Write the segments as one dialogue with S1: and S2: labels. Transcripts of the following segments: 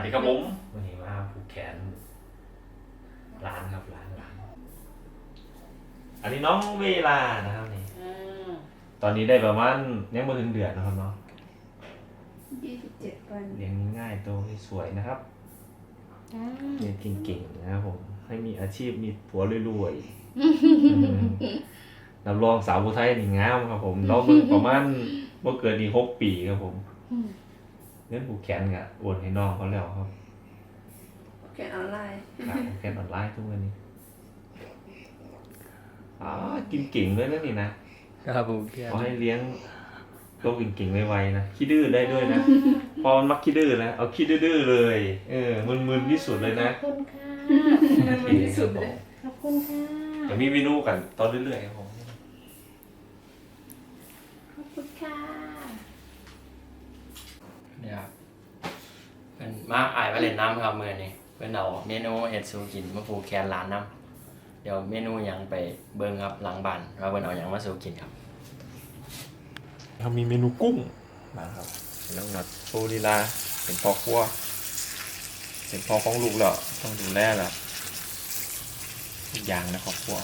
S1: สดีครับผมวันนี้มาผูกแขนร้านครับร้านอันนี้น้องเวลานะครับนี่ตอนนี้ได้ประมาณยังไม่ถึงเดือนนะครับเนาะ
S2: 27 วัน
S1: เลี้ยงง่ายๆโตสวยๆนะครับเรียนเก่งๆนะครับผมให้มีอาชีพมีผัวรวยๆรับรองสาวผู้ไทยนี่งามครับผมเราเพิ่งประมาณเมื่อเกิดดี6 ปีครับผมเงินผูกแขนกะโอนให้น้องเขาแล้วครับ
S2: แกนออนไลน์
S1: ครับผูกแขนออนไลน์ทุกวันนี้กินเก่งด้วยนะนี่นะครับ
S3: ผม
S1: ขอให้เลี้ยงโตเก่งๆไวๆนะขี้ดื้อได้ด้วยนะพอมันมักขี้ดื้อนะเอาขี้ดื้อๆเลยมึนๆที่สุดเลยนะ
S4: ขอบคุณค่ะ
S2: มันที่สุดเลย
S4: ขอบคุณค่ะ
S1: จะมีเมนูกันตอนเรื่อยๆครับผม
S4: ขอบคุณค่ะ
S3: เนี่ยครับเป็นมาอายมาเล่นน้ำครับมือนี้เป็นเอาเมนูเห็ดซูกินมาผูกแขนร้านน้ำเดี๋ยวเมนูหยังไปเบิ่งครับหลังบ้านว่าเบิ่นเอาหยังมาซูกินครับ
S1: เรามีเมนูกุ้งนะครับแล้วนัดโซลีลาเป็นพ่อครัวเป็นพ่อของลูกแล้วต้องดูแลแล้วอีกอย่างนะครอบครัว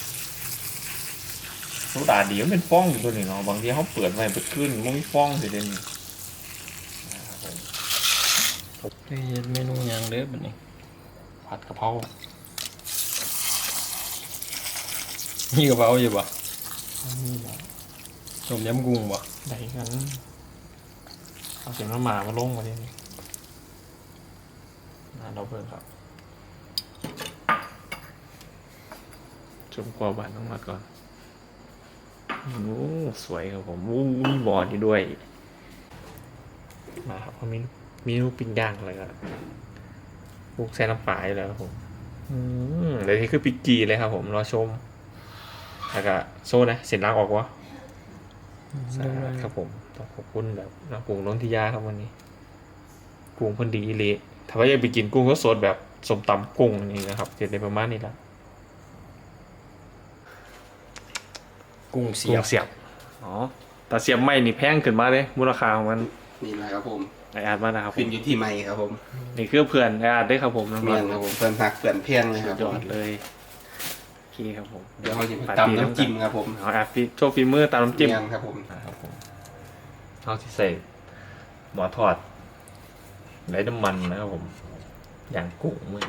S1: โซดาดีมันเป็นฟองอยู่ตัวนี้เนาะบางทีเขาเปิดไว้เปิดขึ้นมันมีฟองสิเด่นนะครับผม
S3: เฮ็ดเมนูหยังเด้อบัดนี้
S1: ผัดกะเพรา
S3: มีกระเป๋าอยู่บ่
S1: นี่แหละ
S3: ต้มยำกุ้งบ่
S1: ได้กันเอาเสียงมาลงมาดิเราเพิ่มครับชมกว่าบานต้องมาก่อนโอ้สวยครับผมมีบอร์ดอยู่ด้วยมาครับเขามีลูกปิ้งย่างอะไรกันลูกแซ่น้ำปลาอยู่แล้วครับผมเดี๋ยวนี้คือปิกกีเลยครับผมรอชมแล้วก็โซ่นะเสร็จล้างออกวะสะอาดครับผมต้องขอบคุณแบบน้ำปรุงล้นทิยาครับวันนี้กุ้งเพิ่นดีเละถ้าว่าอยากไปกินกุ้งก็สดแบบสมตำกุ้งนี่นะครับเสร็จในประมาณนี้ละ
S3: กุ้งเสียบ
S1: เสียบอ๋อแต่เสียบไม่นี่แพงขึ้นมาเลยมูลค่าของมัน
S5: นี่แหละครับผม
S1: ไออาร์ตมานะครับผ
S5: ขึ้น
S1: ม
S5: อยู่ที่ไม้ครับผม
S1: นี่คือเพื่อนไออาร์ตได้ครับผมน้อง
S5: เมียนครับผมเพื่อนหักเพื่อนเพียงเลย
S1: สุ
S5: ครั
S1: ด
S5: บ
S1: ย
S5: ผ
S1: อ
S5: ม
S1: ดเลยโอเคครับผม
S5: เดี๋ยวเราจะไปตำน้ำจิ้มครับผม
S1: เอาอาร์ตฟิโชว์ฝีมือตามน้ำจิ้ม
S5: เมียนครับผม
S1: นะครับผมเอาที่ใส่หมอทอดไร้น้ำมันนะครับผมอย่างกุ้งมือ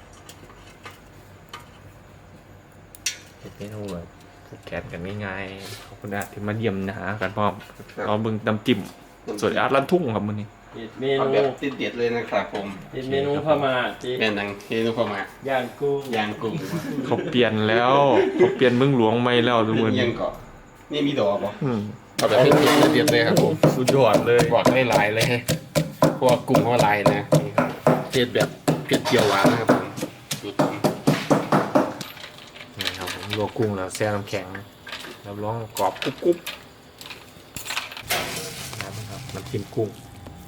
S1: เป็นเมนูแบบแกนกันง่ายๆขอบคุณอาร์ตที่มาเยี่ยมนะฮะกันพร้อมเอาบึงน้ำจิ้มส่วนอาร์ตลั่นทุ่งครับมือนี้
S3: เฮ็ดเม
S5: เอา
S3: นู
S5: แบบเด็ดๆเลยนะครับผม
S3: เฮ็ดเมนูพม่าจี
S5: แม่นดังเมนูพม่า
S3: ย่างกุ้ง
S5: ย่างกุ้ง
S1: เขาเปลี่ยนแล้วเขาเปลี่ยนเมืองหลวงไม่แล้วทุกคน
S5: ยังเกาะนี่มีดอกบ่
S1: อืม
S5: เอาแบบเด็ดๆเลยครับผม
S1: สุดยอดเลย
S5: บอกให้ลายเลยเพราะว่ากุ้งเขาลายนะนี่ครับเด็ดแบบเผ็ดเจียวหวานนะครับผมดูต
S1: นี่ครับผมลวกกุ้งแล้วแช่น้ำแข็งรับรองกรอบกรุบนะครับน้ำจิ้มกุ้ง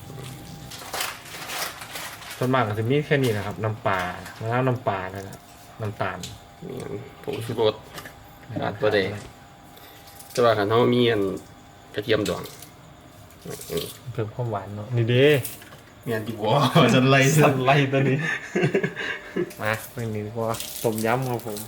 S1: ส่วนมากก็จะมีแค่นี้นะครับน้ำปลาแล้วน้ำปลาแล้วนะน้ำตาล
S5: ำนี่ผงชูรส ขาดบ่ได้ แต่ว่าขันเขามีอันกระเทียมดองอืม
S1: เพิ่มความหวานเนาะนี่เด้
S5: เมียนดีกว่าจะไล่
S1: สันไล่ตัวนี้ มาเป็นนี้ดีกว่าต้มยำครับผม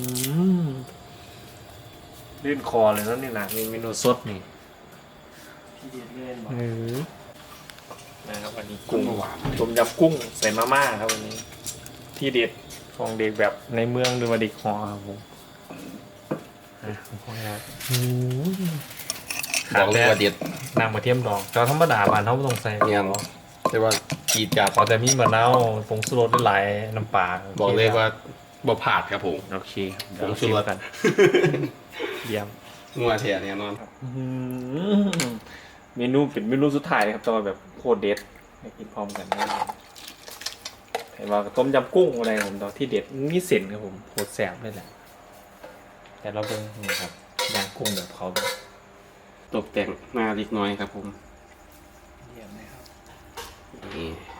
S1: ลื่นคอเลยนะนี่นะมีเมนูสดนี่
S3: ที่เด็ดเล่นบ่
S1: นะครับวันนี้
S5: กุ้
S1: กุ้
S5: ง
S1: ง
S5: หวาน
S1: ต้มยำกุ้งใส่มาม่าครับวันนี้ ที่เด็ดของเด็กแบบในเมืองหรือว่าเด็กหอครับผมขอครับ
S5: บอกเลยว่าเด็ด
S1: น้ำกระเทียมดองแต่ธรรมดาบ้านเขาไม่ต้องใส่
S5: เมียนแต่ว่าจีดจัด
S1: ขอแต่มีมะนาวผงชูรสหลายน้ำปลา
S5: บอกเลยว่าบ่ผาดครับผม
S1: โอเค
S5: ผงชูรส
S1: กันเยี่ยม
S5: งัวเทียเนี่ยนอนครับ
S1: เมนูเป็นเมนูสุดท้ายนะครับแตว่าแบบโคตรเด็ดให้กินพร้อมกันได้เห็นว่าต้มยำกุ้งอะไรผมตอนที่เด็ดมีเส้นครับผมโคตรแซ่บเลยแหละแต่เราเบิ่งนี่ครับย่างกุ้งแบบเขา
S5: ตกแต่งหน้าเล็กน้อยครับผม
S1: เยี่ยมเลยครับ
S5: นี่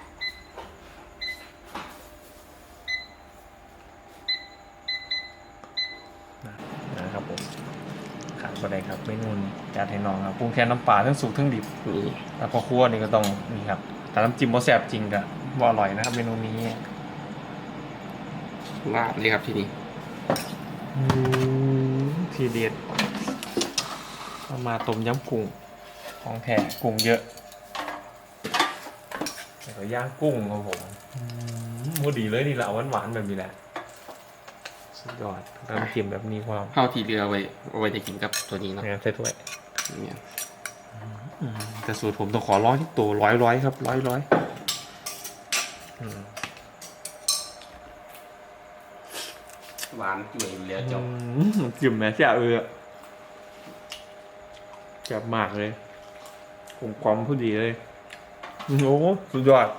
S1: นะครับผมขาดบ่ได้ครับเมนูนี้จานให้น้องครับปรุงแค่น้ำปลาทั้งสุกทั้งดิบ
S5: นี่
S1: แล้วพอคั่วนี่ก็ต้องนี่ครับแต่น้ำจิ้มบ่แซ่บจริงก็ว่าอร่อยนะครับเมนูนี้
S5: ลาดเลยครับที่นี่
S1: ทีเด็ดเอามาต้มยำกุ้งของแท้กุ้งเยอะแล้วก็ย่างกุ้งครับผมมูดีเลยนี่แหละหวานๆแบบนี้แหละสุดยอดน้ำจิ้มแบบนี้ความ
S5: ข้าวที่เหลือเอาไว้จะกินกับตัวนี้เนาะ
S1: งานใส่ถ้วย
S5: เนี่ย
S1: แต่สูตรผมต้องขอร้อยที่ตัวร้อยครับร้อย
S5: หวานจุ๋ยเหลือจบ
S1: จิ้มแม่เจ้าแซ่บมากเลยกลมกล่อมพอดีเลยโอ้โหสุดยอด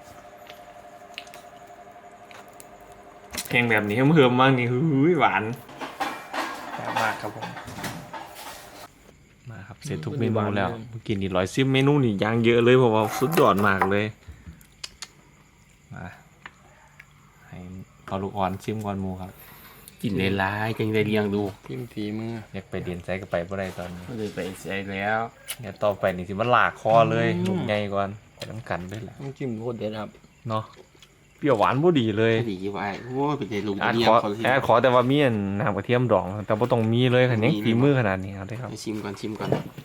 S1: เพลงแบบนี้เพิ่มๆมากนี่หือหวานแซ่บมากครับผมมาครับเสร็จทุกเมนูแล้วเมื่อกี้นี่110เมนูนี่ย่างเยอะเลยเพราะว่าสุดยอดมากเลยมาให้พอลูกอ่อนชิมก่อนหมูครับ
S5: กินได้หลายจังได้เลี้ยงดู
S3: พิมทีมือ
S1: อยากไปเรียนใจก็ไปบ่ได้ตอนนี้
S5: ก็เลยไปใส่แล้ว
S1: เนี่ยต่อไปนี่สิมันลากคอเลยลูกใหญ่ก่อนไปน้ำกันด้วยแหละ
S3: น้ำจิ้มโคตรเด็ดครับ
S1: เนาะเปรี้ยวหวานบ่ดีเลย
S5: ดีไว้โอ้ยเป็นใจลูก
S1: อาจ
S5: เลี้ย
S1: ข
S5: ง
S1: อ
S5: เขาที่
S1: แอดขอแต่ว่ามีอันน้ำกระเทียมดอง แต่บ่ต้องมีเลยคันนี้ฝีมือขนาดนี้เอาได้ครับ
S5: ไปชิมก่อนชิมก่อน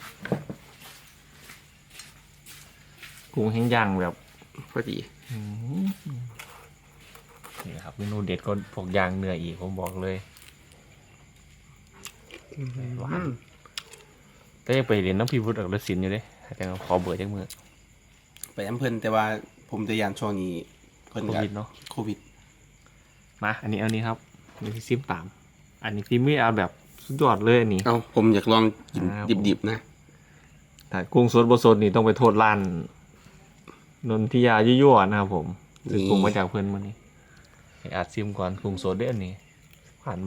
S1: กุ้งแห้งย่างแบบ
S5: พอดี
S1: นี่ครับเมนูเด็ดก็พวกย่างเนื้ออีกผมบอกเลยหวานแต่ยังไปเรียนน้ำพิวุฒิอักฤศิลป์อยู่เด้แต่ขอเบื่อจังมือ
S5: ไปอำเภอแต่ว่าผมจะยานช่วงนี้เพิ่น
S1: โควิดเนาะ
S5: โควิด
S1: มาอันนี้ครับนี่ที่ซิมตาม อันนี้ฝีมือเอาแบบสุดยอดเลยอันนี้
S5: เอ้าผมอยากลองกิน
S1: ครับ
S5: ดิบๆนะ
S1: ถ้ากุ้งสดบ่สดนี่ต้องไปโทษร้านนนทิยายั่วๆนะครับผมซื้อกุ้งมาจากเพื่อนมานี่ให้อาจซิมก่อนกุ้งสดเด้ออันนี้ผ่านบ่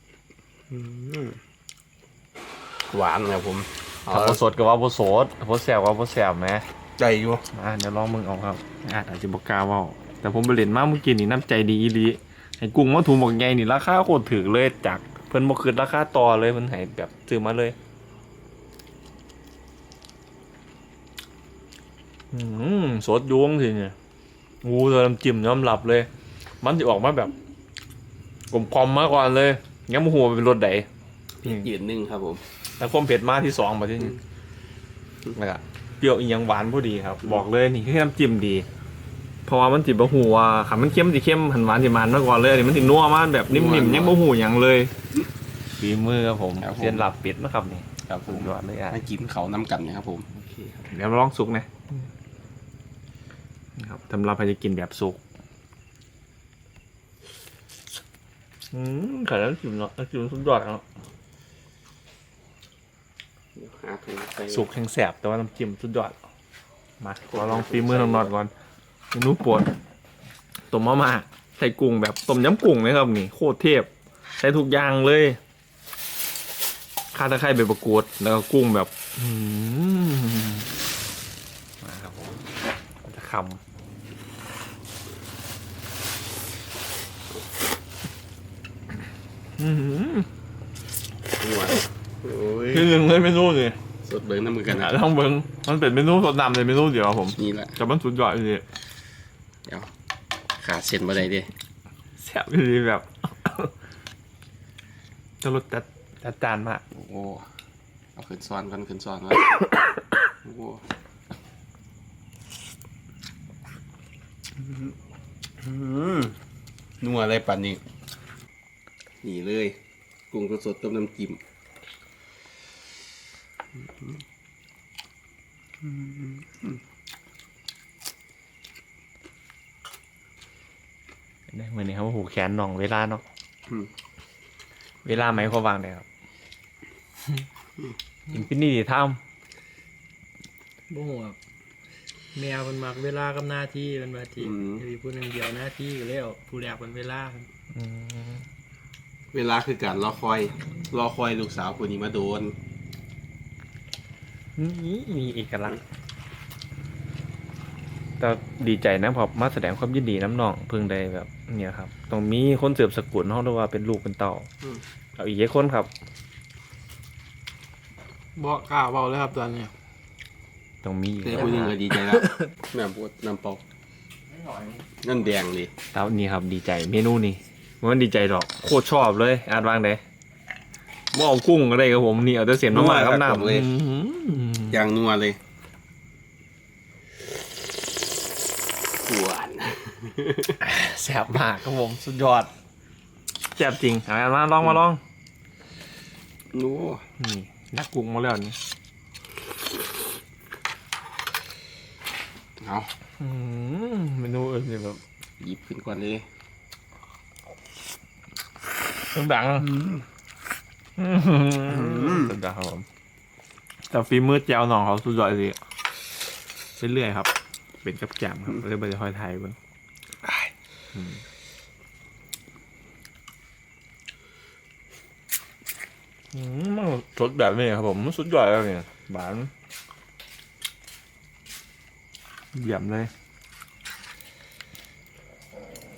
S5: หวานครับผม
S1: ถ้าบ่สดก็ว่าบ่สดบ่แซ่บว่าบ่แซ่บแหม
S5: ใจอยู่
S1: มาเดี๋ยวลองมึงเอาครับอาจจะบ่กล้าเว้าแต่ผมไปเล่นมาเมื่อกี้นี่น้ำใจดีอีหลีให้กุ้งมาถุงบักใหญ่นี่ราคาโคตรถูกเลยจากเพิ่นบ่คิดราคาต่อเลยเพิ่นให้แบบซื้อมาเลยสดยวงสิเนี่ยงูตัวน้ำจิ้มยอมรับเลย มันจะออกมาแบบกลมกล่อมมาก่อนเลยงั้นมูหัวเป็นรสใด
S5: ยืนหนึ่งครับผม
S1: แล้วความเผ็ดมาที่สองมาที่นี่แล้วก็เปรี้ยวอีกอย่างหวานพอดีครับ บอกเลยนี่คือน้ำจิ้มดี เพราะว่ามันจิบะหูว่าขามันเข้มสิเข้มหันหวานสิมันมาก่อนเลยอันนี้มันสินัวมากแบบนิ่มๆยังบะหูอย่างเลยฝีมือครับผมเซียนหลับเป็ดนะครับนี่
S5: ครับผ
S1: สุ
S5: ม
S1: ดยอดเลยอ่ะ
S5: ให้กินเขาน้ำกันนะครับผม
S1: เดี๋ยวมาลองสุกนะนะครับสำหรับใครจะกินแบบสุกไข่แล้วจิ้มเนาะแล้วจิ้มสุดยอดเนาะ
S5: หาถุงใส่
S1: สุกแข็งแสบแต่ว่าน้ำจิ้มสุดยอดมาเราลองฝีมือน้องนอดก่อนเมนูโปรดต้มมะม่าใส่กุ้งแบบต้มยำกุ้งนะครับนี่โคตรเทพใส่ทุกอย่างเลยข่าตะไคร้ใบมะกรูดแล้วก็กุ้งแบบมาครับผมจะคำ
S5: หวานโอ้ย
S1: คือหนึ่งเลยเมนูนี่
S5: สดเบิ้งน้ำมือกันนะ
S1: ต้องเบิ้งมันเป็นเมนูสดนำเลยเมนูเดียวครับผม
S5: นี่แหละ
S1: แต่มันสุดยอดเลย
S5: เดี๋ยวขาดเส้นมาได้ดิ
S1: แซ่บเลยแบบ จะรสจัดจานมาก
S5: โอ้โหเอาขึ้นซ้อนกันขึ้นซ้อนกันโอ้โหนัวอะไรปั่นนี่นี่เลยกุ้งสดๆต้มน้ำจิ้ม
S1: ได้เหมือนนี้ครับหูแขนหน่องเวลาเนาะ
S5: อืม
S1: เวลาไหมเขาวางได้ครับอินฟินิตี้ไทม์
S3: บ่ฮู้ครับแมวมันมักเวลากับหน้าที่มันว่าที่มีผู้หนึงเดียวหน้าที่ก็แล้วผู้แรกเป็นเวลาครับ
S5: เวลาคือการรอคอยลูกสาวคนนี้มาโดน
S1: นี่มีเอกลักษณ์แต่ดีใจนะพอมาแสดงความยินดีน้ำน้องเพิ่งได้แบบ เนี่ยครับต้องมีคนเสืบสกุลห้องด้วยว่าเป็นลูกเป็นเต่าเอาอีกเยอะคนครับ
S3: บ่กล้าเว้าเลยครับตอนนี้
S1: ต้องมีอีก
S5: แต่คนหนึงก็ดีใจแล้ว น้ำปวดน้ำเปอก
S3: หน่อย
S5: นั่นแดงดิ
S1: แล้วนี่ครับดีใจเมนูนี้มันดีใจหรอกโคตรชอบเลยอาจวางเด้หม้อกุ้งก็ได้ครับผมนี่เอาแต่เสียนมาครับน้ำ
S5: เลยอย่างนัวเลยหวาน
S1: แซ่บมากครับผมสุดยอดแซ่บจริงเอามาลอง
S5: นัว
S1: นี่นักกุ้งมาแล้วนี่
S5: เอา
S1: เมนูอื่นแบบ
S5: หยิบขึ้นก่อนเลย
S1: ดังสุดยอดครับผมแต่ฝีมือแจวหน่องเขาสุดยอดสิเรื่อยๆครับ เป็นกับแจมครับเรื่อยๆค่อยไทยเบิ่งมันสดแบบนี้ครับผมมันสุดยอดแล้วเนี่ยหวานเยี่ยมเลย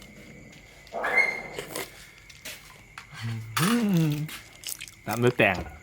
S1: ตามด้วยแตง